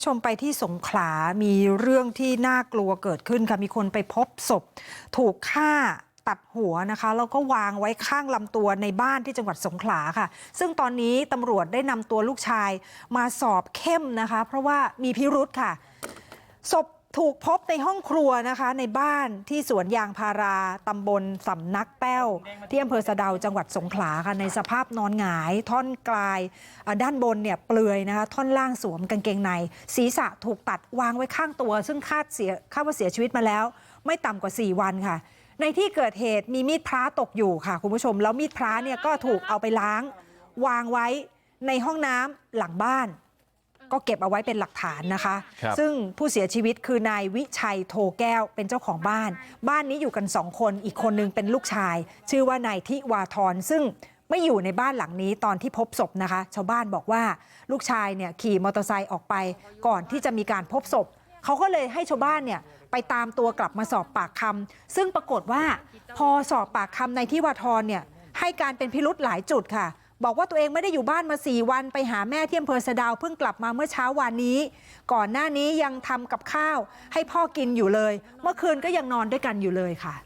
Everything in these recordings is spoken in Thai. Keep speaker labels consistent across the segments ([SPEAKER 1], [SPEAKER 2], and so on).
[SPEAKER 1] ชมไปที่สงขลา มีเรื่องที่น่ากลัวเกิดขึ้นค่ะ มีคนไปพบศพถูกฆ่าตัดหัวนะคะ แล้วก็วางไว้ข้างลำตัวในบ้านที่จังหวัดสงขลาค่ะ ซึ่งตอนนี้ตำรวจได้นำตัวลูกชายมาสอบเข้มนะคะ เพราะว่ามีพิรุธค่ะศพถูกพบในห้องครัวนะคะในบ้านที่สวนยางพาราตำบลสำนักแป้วที่อำเภอสะเดาจังหวัดสงขลาค่ะในสภาพนอนหงายท่อนกลายด้านบนเนี่ยเปลือยนะคะท่อนล่างสวมกางเกงในศีรษะถูกตัดวางไว้ข้างตัวซึ่งคาดว่าเสียชีวิตมาแล้วไม่ต่ำกว่า4 วันค่ะในที่เกิดเหตุมีมีดพระตกอยู่ค่ะคุณผู้ชมแล้วมีดพระเนี่ยก็ถูกเอาไปล้างวางไว้ในห้องน้ำหลังบ้านก็เก็บเอาไว้เป็นหลักฐานนะคะซึ่งผู้เสียชีวิตคือนายวิชัยโทแก้วเป็นเจ้าของบ้านบ้านนี้อยู่กัน2 คนอีกคนนึงเป็นลูกชายชื่อว่านายทิวาธรซึ่งไม่อยู่ในบ้านหลังนี้ตอนที่พบศพนะคะชาวบ้านบอกว่าลูกชายเนี่ยขี่มอเตอร์ไซค์ออกไปก่อนที่จะมีการพบศพเขาก็เลยให้ชาวบ้านเนี่ยไปตามตัวกลับมาสอบปากคำซึ่งปรากฏว่าพอสอบปากคำนายทิวาธรเนี่ยให้การเป็นพิรุธหลายจุดค่ะบอกว่าตัวเองไม่ได้อยู่บ้านมา4 วันไปหาแม่ที่อำเภอสะดาวเพิ่งกลับมาเมื่อเช้าวานนี้ก่อนหน้านี้ยังทำกับข้าวให้พ่อกินอยู่เลยเมื่อคืนก็ยังนอนด้วยกันอยู่เลยค่ะ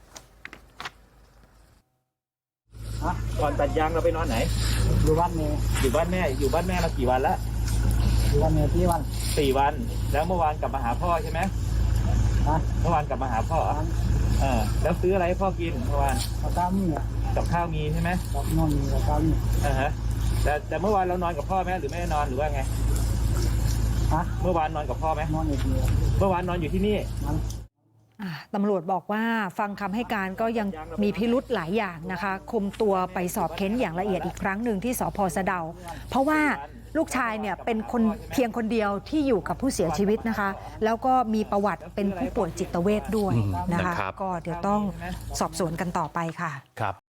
[SPEAKER 2] ก่อนตัดยางเราไปนอนไหน
[SPEAKER 3] อยู่บ้านแม่
[SPEAKER 2] อยู่บ้านแม่มากี่วันแล้ว
[SPEAKER 3] อยู่บ้านแม่4
[SPEAKER 2] วันแล้วเมื่อวานกลับมาหาพ่อใช่ไหมเมื่อวานกลับมาหาพ่อแล้วซื้ออะไรให้พ่อกินเมื่อวาน
[SPEAKER 3] กับข้าวมี
[SPEAKER 2] กับข้าวมีใช่ไหม
[SPEAKER 3] กับนอนมีกับข้าวมี
[SPEAKER 2] แต่เมื่อวานเรานอนกับพ่อไหมหรือไม่ได้นอนหรือว่าไงเมื่อวานนอนกับพ่อไหม
[SPEAKER 3] นอนอยู่ที่นี่
[SPEAKER 2] เมื่อวานนอนอยู่ที่นี่
[SPEAKER 1] ตำรวจบอกว่าฟังคำให้การก็ยังมีพิรุธหลายอย่างนะคะคุมตัวไปสอบเค้นอย่างละเอียดอีกครั้งหนึ่งที่สภ.สะเดาเพราะว่าลูกชายเนี่ยเป็นคนเพียงคนเดียวที่อยู่กับผู้เสียชีวิตนะคะแล้วก็มีประวัติเป็นผู้ป่วยจิตเวชด้วยนะคะก็เดี๋ยวต้องสอบสวนกันต่อไปค่ะ